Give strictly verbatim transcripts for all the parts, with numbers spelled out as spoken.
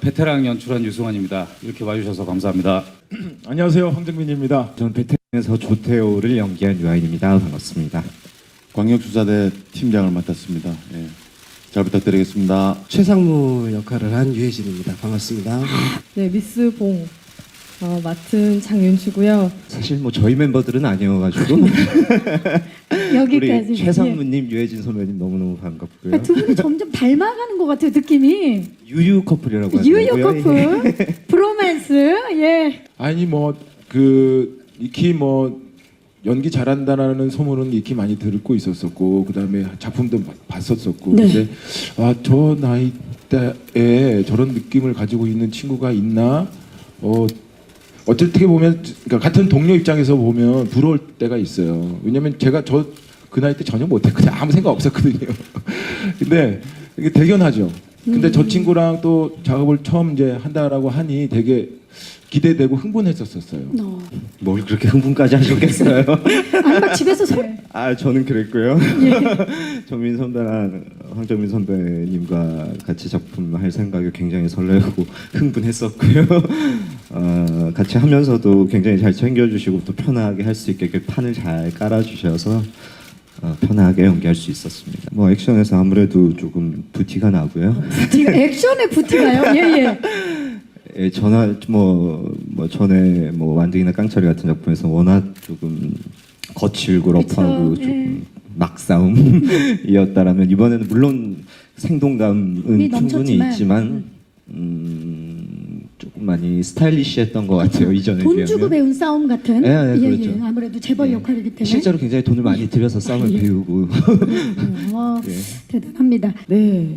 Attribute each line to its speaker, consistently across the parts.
Speaker 1: 베테랑 연출한 유승환입니다. 이렇게 와주셔서 감사합니다.
Speaker 2: 안녕하세요, 황정민입니다.
Speaker 3: 저는 베테랑에서 조태호를 연기한 유아인입니다. 반갑습니다.
Speaker 4: 광역수사대 팀장을 맡았습니다. 예. 잘 부탁드리겠습니다.
Speaker 5: 최상무 역할을 한 유혜진입니다. 반갑습니다.
Speaker 6: 네, 미스 봉 어, 맡은 장윤주고요.
Speaker 3: 사실 뭐 저희 멤버들은 아니어가지고
Speaker 7: 여기까지.
Speaker 3: 우리 최상무님, 유해진 선배님 너무너무 반갑고요.
Speaker 7: 아, 두 분이 점점 닮아가는 것 같아요, 느낌이.
Speaker 3: 유유 커플이라고 하더라고요.
Speaker 7: 유유 커플, 브로맨스, 예.
Speaker 2: 아니 뭐 그 익히 뭐 연기 잘한다라는 소문은 익히 많이 듣고 있었었고, 그다음에 작품도 봤었었고,
Speaker 7: 네.
Speaker 2: 근데 아, 저 나이 때에 저런 느낌을 가지고 있는 친구가 있나? 어 어떻게 보면 그러니까 같은 동료 입장에서 보면 부러울 때가 있어요. 왜냐면 제가 저 그 나이 때 전혀 못했거든요. 아무 생각 없었거든요. 근데 이게 대견하죠. 근데
Speaker 7: 음.
Speaker 2: 저 친구랑 또 작업을 처음 이제 한다라고 하니 되게 기대되고 흥분했었었어요.
Speaker 7: 어.
Speaker 3: 뭘 그렇게 흥분까지 하셨겠어요?
Speaker 7: 아니 막 집에서 소...
Speaker 3: 아 저는 그랬고요.
Speaker 7: 예.
Speaker 3: 정민 선배랑 황정민 선배님과 같이 작품 할 생각에 굉장히 설레고 흥분했었고요. 어, 같이 하면서도 굉장히 잘 챙겨주시고 또 편하게 할 수 있게 이렇게 판을 잘 깔아주셔서 어, 편하게 연기할 수 있었습니다. 뭐 액션에서 아무래도 조금 부티가 나고요.
Speaker 7: 부티가 액션의 부티가요? 예예.
Speaker 3: 예, 전화 뭐, 뭐 전에 뭐 완등이나 깡차리 같은 작품에서 워낙 조금 거칠고 러프하고
Speaker 7: 그쵸,
Speaker 3: 조금 막싸움이었다라면 이번에는 물론 생동감은 충분히
Speaker 7: 넘쳤지만,
Speaker 3: 있지만 음, 조금 많이 스타일리시했던 것 같아요. 이전에
Speaker 7: 돈
Speaker 3: 비하면.
Speaker 7: 주고 배운 싸움 같은.
Speaker 3: 예, 예, 그렇죠.
Speaker 7: 예. 아무래도 재벌
Speaker 3: 예.
Speaker 7: 역할이기 때문에.
Speaker 3: 실제로 굉장히 돈을 많이 들여서 싸움을
Speaker 7: 예.
Speaker 3: 배우고
Speaker 7: 음, 어,
Speaker 3: 예.
Speaker 7: 대단합니다.
Speaker 6: 네.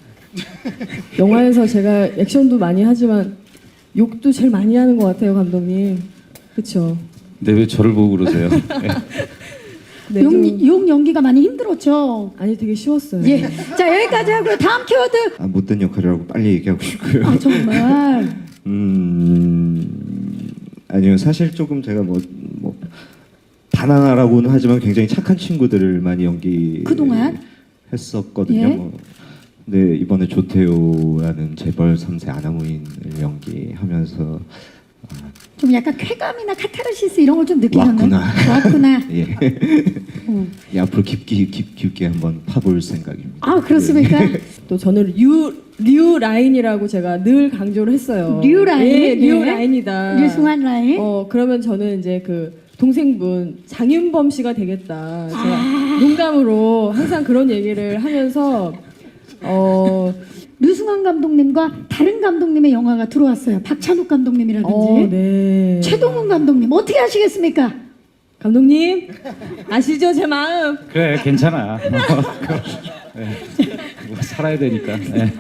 Speaker 6: 영화에서 제가 액션도 많이 하지만 욕도 제일 많이 하는 것 같아요, 감독님. 그렇죠?
Speaker 1: 근데 왜 저를 보고 그러세요?
Speaker 6: 네,
Speaker 7: 용,
Speaker 6: 좀-
Speaker 7: 용 연기가 많이 힘들었죠.
Speaker 6: 아니 되게 쉬웠어요.
Speaker 7: 예. 자 여기까지 하고요. 다음 키워드.
Speaker 3: 아, 못된 역할이라고 빨리 얘기하고 싶고요.
Speaker 7: 아 정말.
Speaker 3: 음 아니요 사실 조금 제가 뭐 뭐 바나나라고는 하지만 굉장히 착한 친구들을 많이 연기
Speaker 7: 그동안?
Speaker 3: 했었거든요.
Speaker 7: 예.
Speaker 3: 뭐. 근데 이번에 조태호라는 재벌 삼 세 아나무인을 연기하면서
Speaker 7: 좀 약간 쾌감이나 카타르시스 이런 걸 좀 느끼셨나요?
Speaker 3: 왔구나.
Speaker 7: 왔구나.
Speaker 3: 예.
Speaker 7: 음.
Speaker 3: 예, 앞으로 깊게 깊, 깊게 한번 파볼 생각입니다.
Speaker 7: 아 그렇습니까?
Speaker 6: 또 저는 류, 류 라인이라고 제가 늘 강조를 했어요.
Speaker 7: 류 라인?
Speaker 6: 예, 류
Speaker 7: 예.
Speaker 6: 라인이다.
Speaker 7: 류승환 라인.
Speaker 6: 어 그러면 저는 이제 그 동생분 장윤범 씨가 되겠다. 제가
Speaker 7: 아.
Speaker 6: 농담으로 항상 그런 얘기를 하면서 어,
Speaker 7: 류승환 감독님과 다른 감독님의 영화가 들어왔어요. 박찬욱 감독님이라든지
Speaker 6: 어 네.
Speaker 7: 최동훈 감독님 어떻게 하시겠습니까?
Speaker 6: 감독님 아시죠 제 마음.
Speaker 1: 그래, 괜찮아. 네. 뭐 살아야 되니까. 네.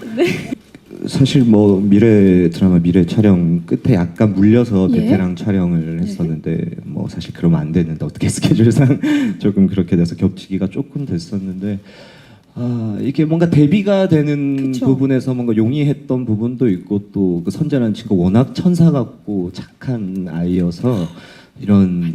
Speaker 3: 사실 뭐 미래 드라마 미래 촬영 끝에 약간 물려서
Speaker 7: 예.
Speaker 3: 베테랑 촬영을 했었는데 뭐 사실 그러면 안 되는데 어떻게 스케줄상 조금 그렇게 돼서 겹치기가 조금 됐었는데 아 이게 뭔가 대비가 되는
Speaker 7: 그쵸.
Speaker 3: 부분에서 뭔가 용이했던 부분도 있고 또 그 선재라는 친구 워낙 천사 같고 착한 아이여서 이런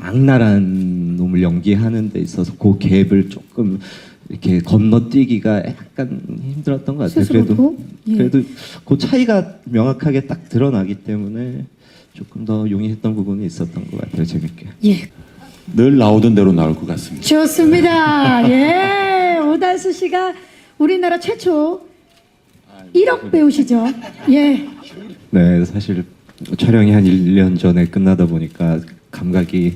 Speaker 3: 악랄한 놈을 연기하는 데 있어서 그 갭을 조금 이렇게 건너뛰기가 약간 힘들었던 것 같아요.
Speaker 7: 스스로도?
Speaker 3: 그래도
Speaker 7: 예.
Speaker 3: 그래도 그 차이가 명확하게 딱 드러나기 때문에 조금 더 용이했던 부분이 있었던 것 같아요. 재밌게.
Speaker 7: 예.
Speaker 4: 늘 나오던 대로 나올 것 같습니다.
Speaker 7: 좋습니다. 예. 오달수 씨가 우리나라 최초 일억 배우시죠? 예.
Speaker 3: 네, 사실 촬영이 한 일 년 전에 끝나다 보니까 감각이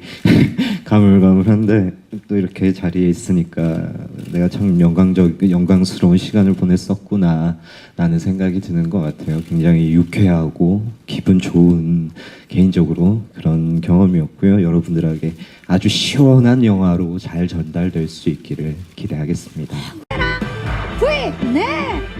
Speaker 3: 가물가물한데 또 이렇게 자리에 있으니까 내가 참 영광적, 영광스러운 시간을 보냈었구나 라는 생각이 드는 것 같아요. 굉장히 유쾌하고 기분 좋은 개인적으로 그런 경험이었고요. 여러분들에게 아주 시원한 영화로 잘 전달될 수 있기를 기대하겠습니다.
Speaker 7: V 네.